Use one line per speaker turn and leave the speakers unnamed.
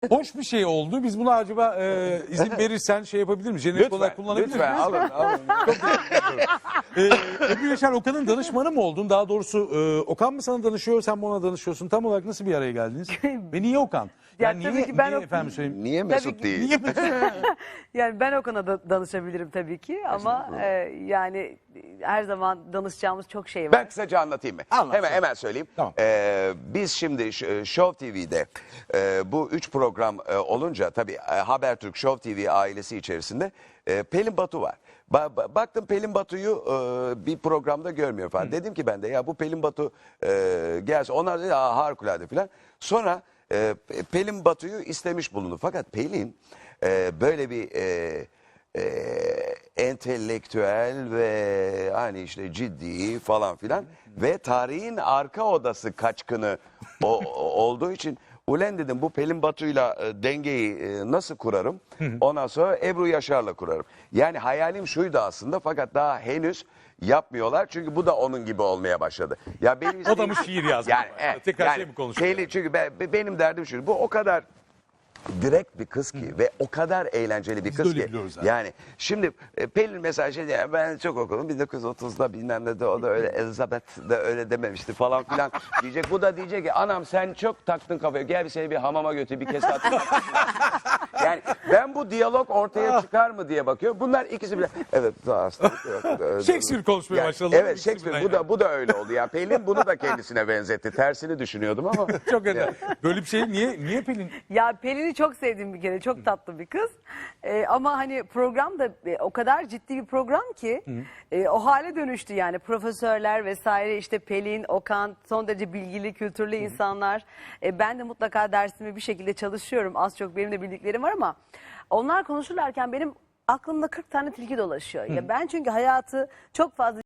Hoş bir şey oldu. Biz buna acaba izin verirsen şey yapabilir miyiz? Jenerik olarak kullanabilir miyiz?
Lütfen alın.
Ebru Yaşar Okan'ın danışmanı mı oldun? Daha doğrusu Okan mı sana danışıyor, sen mi ona danışıyorsun? Tam olarak nasıl bir araya geldiniz? Ve niye Okan? Yani
tabii
niye,
ki ben
niye efendim söyleyeyim?
Niye Mesut değil?
Niye Mesut?
Yani ben Okan'a da danışabilirim tabii ki ama yani her zaman danışacağımız çok şey var.
Ben kısaca anlatayım mı?
Anlat.
Hemen söyleyeyim.
Tamam.
Biz şimdi Show TV'de bu 3 program olunca tabii Habertürk Show TV ailesi içerisinde Pelin Batu var. Baktım Pelin Batu'yu bir programda görmüyor falan. Dedim ki ben de ya bu Pelin Batu gelse, onlar dedi harikulade falan. Sonra Pelin Batu'yu istemiş bulundu. Fakat Pelin böyle bir entelektüel ve hani işte ciddi falan filan ve tarihin arka odası kaçkını olduğu için ulen dedim bu Pelin Batu'yla dengeyi nasıl kurarım? Ondan sonra Ebru Yaşar'la kurarım. Yani hayalim şuydu aslında fakat daha henüz yapmıyorlar çünkü bu da onun gibi olmaya başladı. Ya benim
O da mı şiir yazmış? Tekrar şey mi konuşuyor?
Pelin, çünkü benim derdim şu. Bu o kadar direkt bir kız ki ve o kadar eğlenceli bir
Biz de
kız
öyle
ki.
biliyoruz zaten.
Yani şimdi Pelin mesela şey diyor, ben çok okudum 1930'da bilmem ne de o da öyle Elizabeth de öyle dememişti falan filan diyecek. Bu da diyecek ki anam sen çok taktın kafaya, gel bir seni bir hamama götür bir kez attın. Yani ben bu diyalog ortaya çıkar mı diye bakıyorum. Bunlar ikisi bile evet aslında.
Shakespeare konuşmaya başladı.
Evet Shakespeare bu da öyle oldu. Ya Pelin bunu da kendisine benzetti. Tersini düşünüyordum ama.
Çok önemli. Böyle bir şey niye Pelin?
Ya Pelin'i çok sevdim bir kere. Çok tatlı bir kız. Ama hani program da o kadar ciddi bir program ki o hale dönüştü yani. Profesörler vesaire işte Pelin, Okan son derece bilgili, kültürlü insanlar. Ben de mutlaka dersimi bir şekilde çalışıyorum. Az çok benim de bildiklerim var ama onlar konuşurlarken benim aklımda 40 tane tilki dolaşıyor. Ya ben çünkü hayatı çok fazla